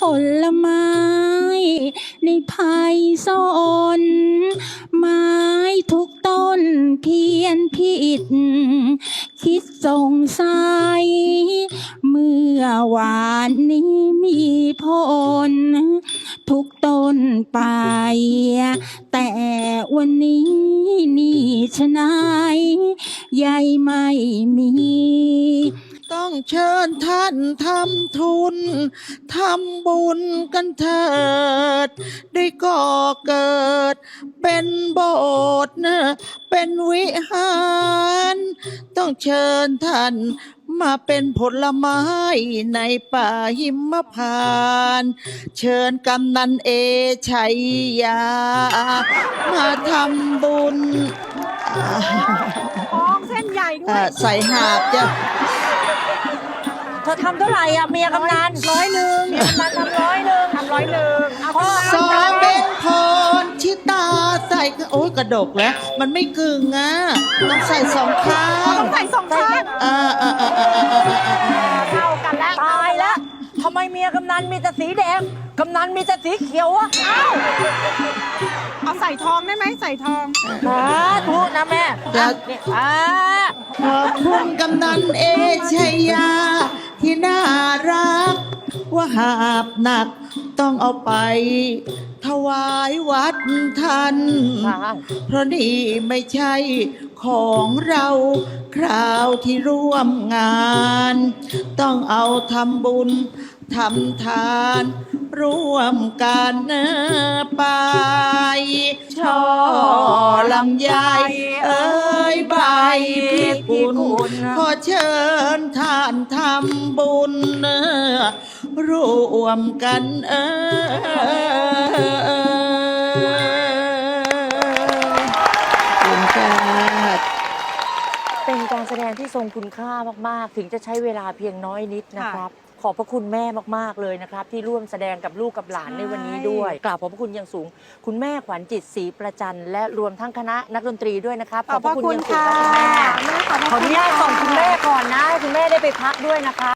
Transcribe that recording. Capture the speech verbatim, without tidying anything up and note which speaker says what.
Speaker 1: ลไม้ในไพศาลไม้ทุกต้นเพี้ยนผิดคิดสงสัยเมื่อวานนี้มีผลทุกต้นไปแต่วันนี้นี่ชะไหนใยไม่มี
Speaker 2: ต้องเชิญท่านทำทุนทำบุญกันเถิดได้ก่อเกิดเป็นโบสถ์นะเป็นวิหารต้องเชิญท่านมาเป็นผลไม้ในป่าหิมพานต์เชิญกำนันเอชัยยามาทำบุญ
Speaker 3: ทองเส้นใหญ่ด้วย
Speaker 2: ใส่หาบจ้ะ
Speaker 4: เธอทำเท่าไหร่อ่ะเมียกำนันร้อยหนึ่งเมียกำนันทำร้อยหนึ่ง
Speaker 3: ทำร้อยหนึ่งเอาพ่อ
Speaker 2: สองเบนพรชิตาใส่โอ้ยกระดกแล้วมันไม่กึ่งอ่ะต้องใส่สองข้าง
Speaker 3: ต้องใส่สองข้าง
Speaker 2: อ่าอ่าอ่าอ่าอ่าอ่า
Speaker 3: เข้ากันแล้ว
Speaker 4: ตายแล้วทำไมเมียกำนันมีแต่สีแดงกำนันมีแต่สีเขียวอะเอ้า
Speaker 3: เอาใส่ทองได้ไหมใส่ทอง
Speaker 4: สาธุนะแม่อ่ะเนี่ยอ่า
Speaker 2: ขอบคุณกำนันเอชัยยาที่น่ารักว่าหาบหนักต้องเอาไปถวายวัดท่านเพราะนี่ไม่ใช่ของเราคราวที่ร่วมงานต้องเอาทำบุญทำทานร่วมกันไปช่อลำไยเอ้ยใบพิกุลขอเชิญท่านทำบุญร่วมกันเออ
Speaker 4: เป็นการแสดงที่ทรงคุณค่ามากๆถึงจะใช้เวลาเพียงน้อยนิดนะครับขอบพระคุณแม่มากๆเลยนะครับที่ร่วมแสดงกับลูกกับหลานในวันนี้ด้วยกราบขอบพระคุณอย่างสูงคุณแม่ขวัญจิตศรีประจันและรวมทั้งคณะนักดนตรีด้วยนะครับ
Speaker 3: ขอบพระคุณค่ะ
Speaker 4: ขออนุญาตส่งคุณแม่ก่อนนะให้คุณแม่ได้ไปพักด้วยนะคะ